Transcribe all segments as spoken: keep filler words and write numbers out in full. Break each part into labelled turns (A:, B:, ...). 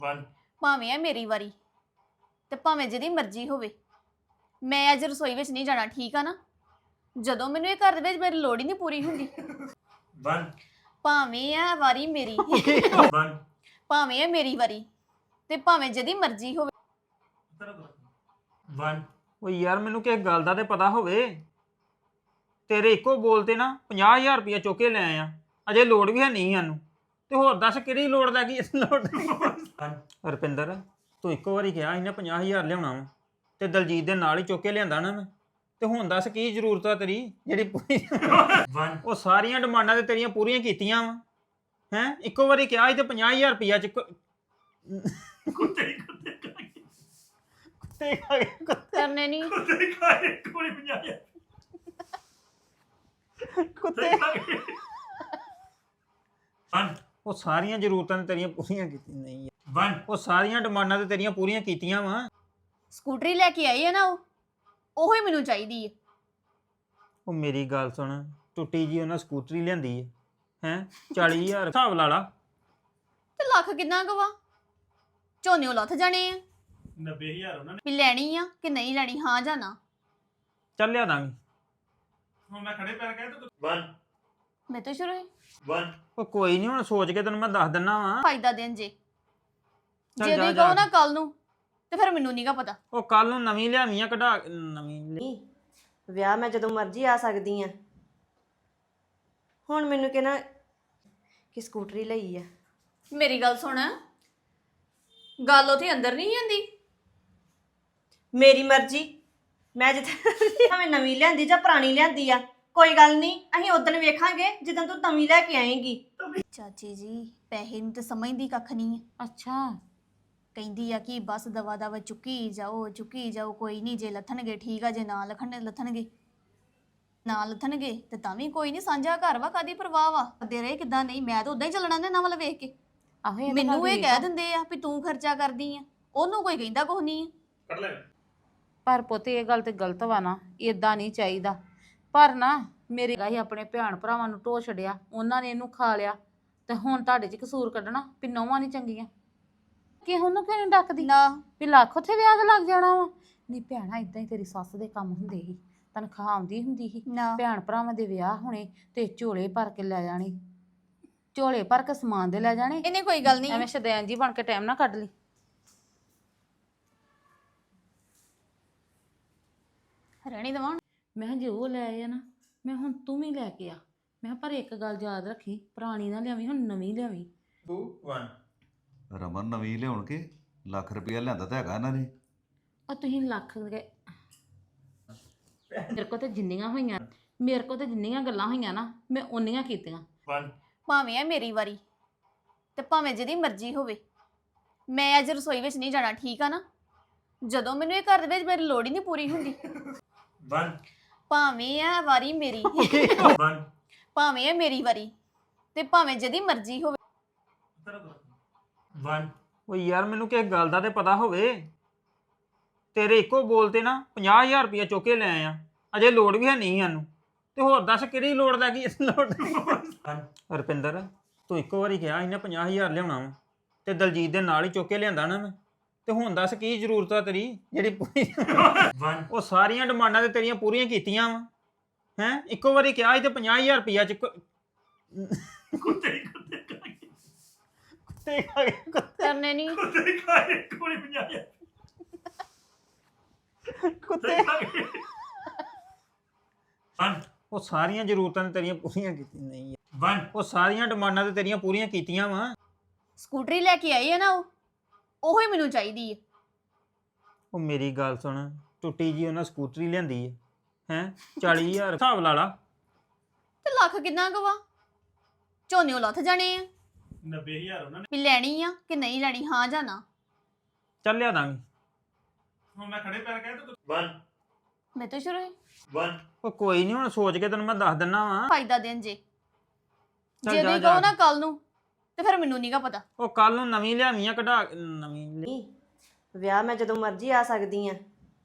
A: One
B: ਭਾਵੇਂ ਆ ਮੇਰੀ ਵਾਰੀ ਤੇ ਭਾਵੇਂ ਜਿਹਦੀ ਮਰਜ਼ੀ ਹੋਵੇ ਮੈਂ ਅੱਜ ਰਸੋਈ ਵਿੱਚ ਨਹੀਂ ਜਾਣਾ ਠੀਕ ਆ ਨਾ ਜਦੋਂ ਮੈਨੂੰ ਇਹ ਘਰ ਦੇ ਵਿੱਚ ਮੇਰੀ ਲੋੜ ਹੀ ਨਹੀਂ ਪੂਰੀ ਹੁੰਦੀ
A: वन
B: ਭਾਵੇਂ ਆ ਵਾਰੀ ਮੇਰੀ
A: वन
B: ਭਾਵੇਂ ਆ ਮੇਰੀ ਵਾਰੀ ਤੇ ਭਾਵੇਂ ਜਿਹਦੀ ਮਰਜ਼ੀ ਹੋਵੇ
A: वन
C: ਉਹ ਯਾਰ ਮੈਨੂੰ ਕਿਸ ਗੱਲ ਦਾ ਤੇ ਪਤਾ ਹੋਵੇ ਤੇਰੇ ਇੱਕੋ ਬੋਲ ਤੇ ਨਾ ਪੰਜਾਹ ਹਜ਼ਾਰ ਰੁਪਇਆ ਚੁੱਕ ਕੇ ਲੈ ਆਇਆ ਅਜੇ ਲੋੜ ਵੀ ਹੈ ਨਹੀਂ ਸਾਨੂੰ ਤੇ ਹੋਰ ਦੱਸ ਕਿਹੜੀ ਲੋੜ ਦਾ ਕੀ ਇਸ ਲੋੜ
A: वन
C: ਰੁਪਿੰਦਰ ਤੂੰ ਇੱਕੋ ਵਾਰੀ ਕਿਹਾ ਸੀ ਨਾ ਪੰਜਾਹ ਹਜ਼ਾਰ ਲਿਆਉਣਾ ਵਾ ਤੇ ਦਲਜੀਤ ਦੇ ਨਾਲ ਹੀ ਚੁੱਕ ਕੇ ਲਿਆਂਦਾ ਨਾ ਮੈਂ ਤੇ ਹੁਣ ਦੱਸ ਕੀ ਜ਼ਰੂਰਤ ਆ ਤੇਰੀ ਜਿਹੜੀ ਪੂਰੀ
A: वन
C: ਉਹ ਸਾਰੀਆਂ ਡਿਮਾਂਡਾਂ ਤੇ ਤੇਰੀਆਂ ਪੂਰੀਆਂ ਕੀਤੀਆਂ ਵਾ ਹੈ ਇੱਕੋ ਵਾਰੀ ਕਿਹਾ ਸੀ ਤੇ ਪੰਜਾਹ ਹਜ਼ਾਰ ਰੁਪਇਆ ਚ
A: कुत्ते कुत्ते
C: ਕੁੱਤੇ ਖਾ ਗਏ ਕੁੱਤੇ
B: ਕਰਨੇ ਨਹੀਂ
A: कुत्ते खाए कोई बजाया
C: ਕੁੱਤੇ
A: वन
C: ਉਹ ਸਾਰੀਆਂ ਜ਼ਰੂਰਤਾਂ ਤੇ ਤੇਰੀਆਂ ਪੂਰੀਆਂ ਕੀਤੀਆਂ ਨਹੀਂ
A: वन
C: ਉਹ ਸਾਰੀਆਂ ਡਿਮਾਂਡਾਂ ਤੇ ਤੇਰੀਆਂ ਪੂਰੀਆਂ ਕੀਤੀਆਂ ਵਾ
B: ਸਕੂਟਰੀ ਲੈ ਕੇ ਆਈ ਹੈ ਨਾ ਉਹ ਉਹੀ ਮੈਨੂੰ ਚਾਹੀਦੀ ਹੈ
C: ਉਹ ਮੇਰੀ ਗੱਲ ਸੁਣ ਟੁੱਟੀ ਜੀ ਉਹਨਾਂ ਸਕੂਟਰੀ ਲਿਆਂਦੀ ਹੈ ਹੈ ਚਾਲੀ ਹਜ਼ਾਰ ਹਿਸਾਬ ਲਾ ਲਾ
B: ਤੇ ਲੱਖ ਕਿੰਨਾ ਕੁ ਵਾ ਝੋਨੇ ਲੱਥ ਜਾਣੇ ਆ
A: नब्बे हजार उन्होंने
B: ਵੀ ਲੈਣੀ ਆ ਕਿ ਨਹੀਂ ਲੈਣੀ ਹਾਂ ਜਾਂ ਨਾ
C: ਚੱਲ ਲਿਆ ਦਾਂਗੇ
A: हम मैं खड़े पैर गए तो वन
B: ਮੈਂ ਤਾਂ ਸ਼ੁਰੂ
A: वन
C: ਉਹ ਕੋਈ ਨਹੀਂ ਹੁਣ ਸੋਚ ਕੇ ਤੈਨੂੰ ਮੈਂ ਦੱਸ ਦਿੰਨਾ ਵਾ
B: ਫਾਇਦਾ ਦੇਣ ਜੇ
C: ਚੱਲ
B: ਜੇ
C: ਜਾ
B: ਤੁਸੀਂ
C: ਜਾ।
B: ਕਹੋ ਨਾ ਕੱਲ ਨੂੰ ਤੇ ਫਿਰ ਮੈਨੂੰ ਨਹੀਂਗਾ ਪਤਾ
C: ਉਹ ਕੱਲ ਨੂੰ ਨਵੀਂ ਲਿਆਵੀਆਂ ਕਢਾ ਨਵੀਂ ਲਿਆ-
D: ਨਹੀਂ ਵਿਆਹ ਮੈਂ ਜਦੋਂ ਮਰਜ਼ੀ ਆ ਸਕਦੀ ਆ ਹੁਣ ਮੈਨੂੰ ਕਹਿਣਾ ਕਿ ਸਕੂਟਰੀ ਲਈ ਆ
B: ਮੇਰੀ ਗੱਲ ਸੁਣ ਗੱਲ ਉਥੇ ਅੰਦਰ ਨਹੀਂ ਆਂਦੀ
D: ਮੇਰੀ ਮਰਜ਼ੀ ਮੈਂ ਜਿੱਥੇ ਭਾਵੇਂ ਨਵੀਂ ਲਿਆਂਦੀ ਜਾਂ ਪੁਰਾਣੀ ਲਿਆਂਦੀ ਆ ਕੋਈ ਗੱਲ ਨਹੀਂ ਅਸੀਂ ਉਦੋਂ ਵੇਖਾਂਗੇ ਜਦੋਂ ਤੂੰ ਨਵੀਂ ਲੈ ਕੇ ਆਏਂਗੀ
B: ਚਾਚੀ ਜੀ ਪੈਸੇ ਨੂੰ ਤੇ ਸਮਝਦੀ ਕੱਖ ਨਹੀਂ ਹੈ
E: ਅੱਛਾ
B: ਕਹਿੰਦੀ ਆ ਕਿ ਬਸ ਦਵਾ ਦਵਾ ਚੁੱਕੀ ਜਾਓ ਚੁੱਕੀ ਜਾਓ ਕੋਈ ਨਹੀਂ ਜੇ ਲੱਥਣਗੇ ਠੀਕ ਆ ਜੇ ਨਾ ਲਖਣ ਲੱਥਣਗੇ ਨਾ ਲੱਥਣਗੇ ਤੇ ਤਾਂ ਵੀ ਕੋਈ ਨਹੀਂ ਸਾਂਝਾ ਘਰ ਵਾ ਕਾਦੀ ਪਰਵਾਹ ਵਾ ਕਰਦੇ ਰਹੇ ਕਿਦਾਂ ਨਹੀਂ ਮੈਂ ਤਾਂ ਉਦਾਂ ਹੀ ਚੱਲਣਾ ਨੇ ਨਾ ਵੱਲ ਵੇਖ ਕੇ
E: ਆਹੋ ਇਹ ਤਾਂ
B: ਮੈਨੂੰ
E: ਗੱਲ
B: ਇਹ
E: ਠੀਕ
B: ਕਹਿ
E: ਆ।
B: ਦਿੰਦੇ ਆ ਵੀ ਤੂੰ ਖਰਚਾ ਕਰਦੀ ਆ ਉਹਨੂੰ ਕੋਈ ਕਹਿੰਦਾ ਕੁਛ ਨਹੀਂ ਆ
A: कर ले
E: ਪਰ ਪੁੱਤ ਇਹ ਗੱਲ ਤੇ ਗਲਤ ਵਾ ਨਾ ਇਦਾਂ ਨਹੀਂ ਚਾਹੀਦਾ ਪਰ ਨਾ ਮੇਰੇ ਗਾਹੀ ਆਪਣੇ ਭੈਣ ਭਰਾਵਾਂ ਨੂੰ ਢੋ ਛੜਿਆ ਉਹਨਾਂ ਨੇ ਇਹਨੂੰ ਖਾ ਲਿਆ ਤੇ ਹੁਣ ਤੁਹਾਡੇ 'ਚ ਕਸੂਰ ਕੱਢਣਾ ਵੀ ਨੌਵਾਂ ਨਹੀਂ ਚੰਗੀਆਂ ਕਿ ਉਹਨੂੰ ਕਿਉਂ ਨਹੀਂ ਡੱਕਦੀ
B: ਨਾ
E: ਵੀ ਲੱਖ ਉੱਥੇ ਵਿਆਹ ਤੇ ਲੱਗ ਜਾਣਾ ਵਾ ਨਹੀਂ ਭੈਣਾ ਇਦਾਂ ਹੀ ਤੇਰੀ ਸੱਸ ਦੇ ਕੰਮ ਹੁੰਦੇ ਸੀ ਤਨਖਾਹ ਆਉਂਦੀ ਹੁੰਦੀ ਸੀ
B: ਨਾ
E: ਭੈਣ ਭਰਾਵਾਂ ਦੇ ਵਿਆਹ ਹੋਣੇ ਤੇ ਝੋਲੇ ਭਰ ਕੇ ਲੈ ਜਾਣੇ ਝੋਲੇ ਭਰ ਕੇ ਸਮਾਨ ਦੇ ਲੈ ਜਾਣੇ
B: ਇਹਨੇ ਕੋਈ ਗੱਲ ਨਹੀਂ
E: ਐਵੇਂ ਸ਼ਦੈਨ ਜੀ ਬਣ ਕੇ ਟਾਈਮ ਨਾ ਕੱਢ ਲਈ
B: ਰਹਿਣੀ ਦਵਾਂ
E: ਮੈਂ ਕਿਹਾ ਜੇ ਉਹ ਲੈ ਆਏ ਆ ਨਾ ਮੈਂ ਹੁਣ ਤੂੰ ਵੀ ਲੈ ਕੇ ਆ ਮੈਂ ਕਿਹਾ ਪਰ ਇੱਕ ਗੱਲ ਯਾਦ ਰੱਖੀ ਪੁਰਾਣੀ ਨਾ ਲਿਆਵੀਂ ਹੁਣ ਨਵੀਂ ਲਿਆਵੀਂ
A: टू वन
F: ਰਮਨ ਨਵੀਂ ਲਿਆਉਣ ਕੇ ਲੱਖ ਰੁਪਇਆ ਲਿਆਂਦਾ ਤਾਂ ਹੈਗਾ ਇਹਨਾਂ ਨੇ
E: ਆ ਤੁਸੀਂ ਲੱਖ ਗਏ ਮੇਰੇ ਕੋਲ ਤੇ ਜਿੰਨੀਆਂ ਹੋਈਆਂ ਮੇਰੇ ਕੋਲ ਤੇ ਜਿੰਨੀਆਂ ਗੱਲਾਂ ਹੋਈਆਂ ਨਾ ਮੈਂ ਓਨੀਆਂ ਕੀਤੀਆਂ
A: वन
B: ਭਾਵੇਂ ਆ ਮੇਰੀ ਵਾਰੀ ਤੇ ਭਾਵੇਂ ਜਿਹਦੀ ਮਰਜ਼ੀ ਹੋਵੇ ਮੈਂ ਅੱਜ ਰਸੋਈ ਵਿੱਚ ਨਹੀਂ ਜਾਣਾ ਠੀਕ ਆ ਨਾ ਜਦੋਂ ਮੈਨੂੰ ਇਹ ਘਰ ਦੇ ਵਿੱਚ ਮੇਰੀ ਲੋੜ ਹੀ ਨਹੀਂ ਪੂਰੀ ਹੁੰਦੀ
A: वन
B: ਭਾਵੇਂ ਆ ਵਾਰੀ ਮੇਰੀ
A: वन
B: ਭਾਵੇਂ ਆ ਮੇਰੀ ਵਾਰੀ ਤੇ ਭਾਵੇਂ ਜਿਹਦੀ ਮਰਜ਼ੀ ਹੋਵੇ
A: वन
C: ਉਹ ਯਾਰ ਮੈਨੂੰ ਕਿਸ ਗੱਲ ਦਾ ਤੇ ਪਤਾ ਹੋਵੇ ਤੇਰੇ ਇੱਕੋ ਬੋਲ ਤੇ ਨਾ ਪੰਜਾਹ ਹਜ਼ਾਰ ਰੁਪਇਆ ਚੁੱਕ ਕੇ ਲੈ ਆਇਆ ਅਜੇ ਲੋੜ ਵੀ ਹੈ ਨਹੀਂ ਸਾਨੂੰ ਤੇ ਹੋਰ ਦੱਸ ਕਿਹੜੀ ਲੋੜ ਦਾ ਕੀ ਇਸ ਲੋੜ
A: वन
C: ਰੁਪਿੰਦਰ ਤੂੰ ਇੱਕੋ ਵਾਰੀ ਕਿਹਾ ਸੀ ਨਾ ਪੰਜਾਹ ਹਜ਼ਾਰ ਲਿਆਉਣਾ ਵਾ ਤੇ ਦਲਜੀਤ ਦੇ ਨਾਲ ਹੀ ਚੁੱਕ ਕੇ ਲਿਆਂਦਾ ਨਾ ਮੈਂ ਤੇ ਹੁਣ ਦੱਸ ਕੀ ਜ਼ਰੂਰਤ ਆ ਤੇਰੀ ਜਿਹੜੀ ਪੂਰੀ
A: वन
C: ਉਹ ਸਾਰੀਆਂ ਡਿਮਾਂਡਾਂ ਤੇ ਤੇਰੀਆਂ ਪੂਰੀਆਂ ਕੀਤੀਆਂ ਵਾ ਹੈ ਇੱਕੋ ਵਾਰੀ ਕਿਹਾ ਸੀ ਤੇ ਪੰਜਾਹ ਹਜ਼ਾਰ ਰੁਪਇਆ ਚ
A: कुत्ते कुत्ते खाए
C: ਕੁੱਤੇ ਖਾ ਗਏ ਕੁੱਤੇ
B: ਕਰਨੇ ਨਹੀਂ
A: कुत्ते खाए कोई बजाया
C: ਕੁੱਤੇ
A: कुत्ते वन
C: ਉਹ ਸਾਰੀਆਂ ਜ਼ਰੂਰਤਾਂ ਤੇ ਤੇਰੀਆਂ ਪੂਰੀਆਂ ਕੀਤੀਆਂ ਨਹੀਂ
A: वन
C: ਉਹ ਸਾਰੀਆਂ ਡਿਮਾਂਡਾਂ ਤੇ ਤੇਰੀਆਂ ਪੂਰੀਆਂ ਕੀਤੀਆਂ ਵਾ
B: ਸਕੂਟਰੀ ਲੈ ਕੇ ਆਈ ਹੈ ਨਾ ਉਹ ਉਹੀ ਮੈਨੂੰ ਚਾਹੀਦੀ ਹੈ
C: ਉਹ ਮੇਰੀ ਗੱਲ ਸੁਣ ਟੁੱਟੀ ਜੀ ਉਹਨਾਂ ਸਕੂਟਰੀ ਲਿਆਂਦੀ ਹੈ ਹੈ ਚਾਲੀ ਹਜ਼ਾਰ ਹਿਸਾਬ ਲਾ ਲਾ
B: ਤੇ ਲੱਖ ਕਿੰਨਾ ਕੁ ਵਾ ਝੋਨੇ ਲੱਥ ਜਾਣੇ ਆ
A: नब्बे हजार उन्होंने
B: ਵੀ ਲੈਣੀ ਆ ਕਿ ਨਹੀਂ ਲੈਣੀ ਹਾਂ ਜਾਂ ਨਾ
C: ਚੱਲ ਲਿਆ ਦਾਂਗੇ
A: हम मैं खड़े पैर गए तो वन
B: ਮੈਂ ਤਾਂ ਸ਼ੁਰੂ
A: वन
C: ਉਹ ਕੋਈ ਨਹੀਂ ਹੁਣ ਸੋਚ ਕੇ ਤੈਨੂੰ ਮੈਂ ਦੱਸ ਦਿੰਨਾ ਵਾ
B: ਫਾਇਦਾ ਦੇਣ ਜੇ
C: ਚੱਲ
B: ਜੇ
C: ਜਾ
B: ਤੁਸੀਂ
C: ਜਾ।
B: ਕਹੋ ਨਾ ਕੱਲ ਨੂੰ ਤੇ ਫਿਰ ਮੈਨੂੰ ਨਹੀਂਗਾ ਪਤਾ
C: ਉਹ ਕੱਲ ਨੂੰ ਨਵੀਂ ਲਿਆਵੀਆਂ ਕਢਾ ਨਵੀਂ ਲਿਆ-
D: ਨਹੀਂ ਵਿਆਹ ਮੈਂ ਜਦੋਂ ਮਰਜ਼ੀ ਆ ਸਕਦੀ ਆ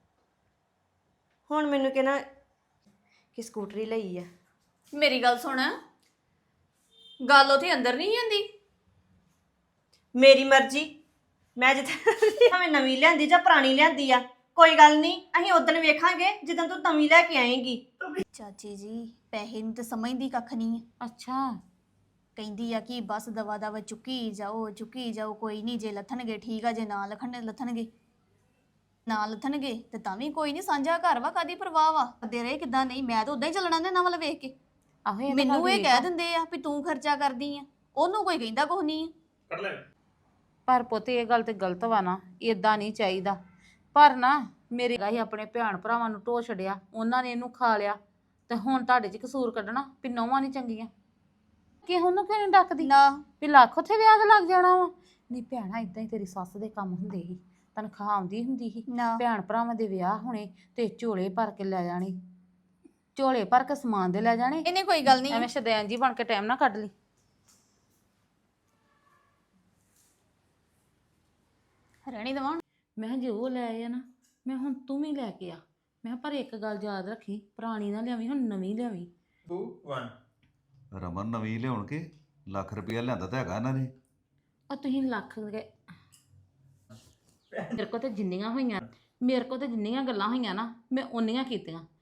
D: ਹੁਣ ਮੈਨੂੰ ਕਹਿਣਾ ਕਿ ਸਕੂਟਰੀ ਲਈ ਆ
B: ਮੇਰੀ ਗੱਲ ਸੁਣ ਗੱਲ ਉਥੇ ਅੰਦਰ ਨਹੀਂ ਆਂਦੀ
D: ਮੇਰੀ ਮਰਜ਼ੀ ਮੈਂ ਜਿੱਥੇ ਭਾਵੇਂ ਨਵੀਂ ਲਿਆਂਦੀ ਜਾਂ ਪੁਰਾਣੀ ਲਿਆਂਦੀ ਆ ਕੋਈ ਗੱਲ ਨਹੀਂ ਅਸੀਂ ਉਦੋਂ ਵੇਖਾਂਗੇ ਜਦੋਂ ਤੂੰ ਨਵੀਂ ਲੈ ਕੇ ਆਏਂਗੀ।
B: ਚਾਚੀ ਜੀ ਪੈਸੇ ਨੂੰ ਤਾਂ ਸਮਝਦੀ ਕੱਖ ਨਹੀਂ ਆ।
E: ਅੱਛਾ
B: ਕਹਿੰਦੀ ਆ ਕਿ ਬਸ ਦਵਾ ਦਵਾ ਚੁੱਕੀ ਜਾਓ ਚੁੱਕੀ ਜਾਓ ਕੋਈ ਨਹੀਂ ਜੇ ਲੱਥਣਗੇ ਠੀਕ ਆ ਜੇ ਨਾ ਲਖਣ ਲੱਥਣਗੇ ਨਾ ਲੱਥਣਗੇ ਤੇ ਤਾਂ ਵੀ ਕੋਈ ਨਹੀਂ ਸਾਂਝਾ ਘਰ ਵਾ ਕਾਦੀ ਪਰਵਾਹ ਵਾ ਕਰਦੇ ਰਹੇ ਕਿਦਾਂ ਨਹੀਂ ਮੈਂ ਤਾਂ ਉਦਾਂ ਹੀ ਚੱਲਣਾ ਦੇ ਨਾ ਵੱਲ ਵੇਖ ਕੇ
E: ਆਹੋ ਇਹ ਤਾਂ
B: ਮੈਨੂੰ
E: ਗੱਲ
B: ਇਹ
E: ਠੀਕ
B: ਕਹਿ
E: ਆ।
B: ਦਿੰਦੇ ਆ ਵੀ ਤੂੰ ਖਰਚਾ ਕਰਦੀ ਆ ਉਹਨੂੰ ਕੋਈ ਕਹਿੰਦਾ ਕੁਛ ਨਹੀਂ ਆ।
A: ਕੱਢ ਲੈ
E: ਪਰ ਪੁੱਤ ਇਹ ਗੱਲ ਤੇ ਗਲਤ ਵਾ ਨਾ ਇਦਾਂ ਨਹੀਂ ਚਾਹੀਦਾ। ਪਰ ਨਾ ਮੇਰੇ ਗਾਹੀ ਆਪਣੇ ਭੈਣ ਭਰਾਵਾਂ ਨੂੰ ਢੋ ਛੜਿਆ ਉਹਨਾਂ ਨੇ ਇਹਨੂੰ ਖਾ ਲਿਆ ਤੇ ਹੁਣ ਤੁਹਾਡੇ 'ਚ ਕਸੂਰ ਕੱਢਣਾ ਵੀ ਨੌਵਾਂ ਨਹੀਂ ਚੰਗੀਆਂ ਕਿ ਉਹਨੂੰ ਕਿਉਂ ਨਹੀਂ ਡੱਕਦੀ
B: ਨਾ
E: ਵੀ ਲੱਖ ਉੱਥੇ ਵਿਆਹ ਤੇ ਲੱਗ ਜਾਣਾ ਵਾ। ਨਹੀਂ ਭੈਣਾ ਇਦਾਂ ਹੀ ਤੇਰੀ ਸੱਸ ਦੇ ਕੰਮ ਹੁੰਦੇ ਸੀ ਤਨਖਾਹ ਆਉਂਦੀ ਹੁੰਦੀ ਸੀ
B: ਨਾ
E: ਭੈਣ ਭਰਾਵਾਂ ਦੇ ਵਿਆਹ ਹੋਣੇ ਤੇ ਝੋਲੇ ਭਰ ਕੇ ਲੈ ਜਾਣੇ ਝੋਲੇ ਭਰ ਕੇ ਸਮਾਨ ਦੇ ਲੈ ਜਾਣੇ।
B: ਇਹਨੇ ਕੋਈ ਗੱਲ ਨਹੀਂ
E: ਐਵੇਂ ਸ਼ਦੈਨ ਜੀ ਬਣ ਕੇ ਟਾਈਮ ਨਾ ਕੱਢ ਲਈ।
B: ਰਹਿਣੀ ਦਵਾਂ
E: ਮੈਂ ਕਿਹਾ ਜੇ ਉਹ ਲੈ ਆਏ ਆ ਨਾ ਮੈਂ ਹੁਣ ਤੂੰ ਵੀ ਲੈ ਕੇ ਆ। ਮੈਂ ਕਿਹਾ ਪਰ ਇੱਕ ਗੱਲ ਯਾਦ ਰੱਖੀ ਪੁਰਾਣੀ ਨਾ ਲਿਆਵੀਂ ਹੁਣ ਨਵੀਂ ਲਿਆਵੀਂ।
A: ਦੋ ਵਨ
F: ਰਮਨ ਨਵੀਂ ਲਿਆਉਣ ਕੇ ਲੱਖ ਰੁਪਇਆ ਲਿਆਂਦਾ ਤਾਂ ਹੈਗਾ ਇਹਨਾਂ ਨੇ।
E: ਉਹ ਤੁਸੀਂ ਲੱਖ ਗਏ ਮੇਰੇ ਕੋਲ ਤੇ ਜਿੰਨੀਆਂ ਹੋਈਆਂ ਮੇਰੇ ਕੋਲ ਤੇ ਜਿੰਨੀਆਂ ਗੱਲਾਂ ਹੋਈਆਂ ਨਾ ਮੈਂ ਓਨੀਆਂ ਕੀਤੀਆਂ।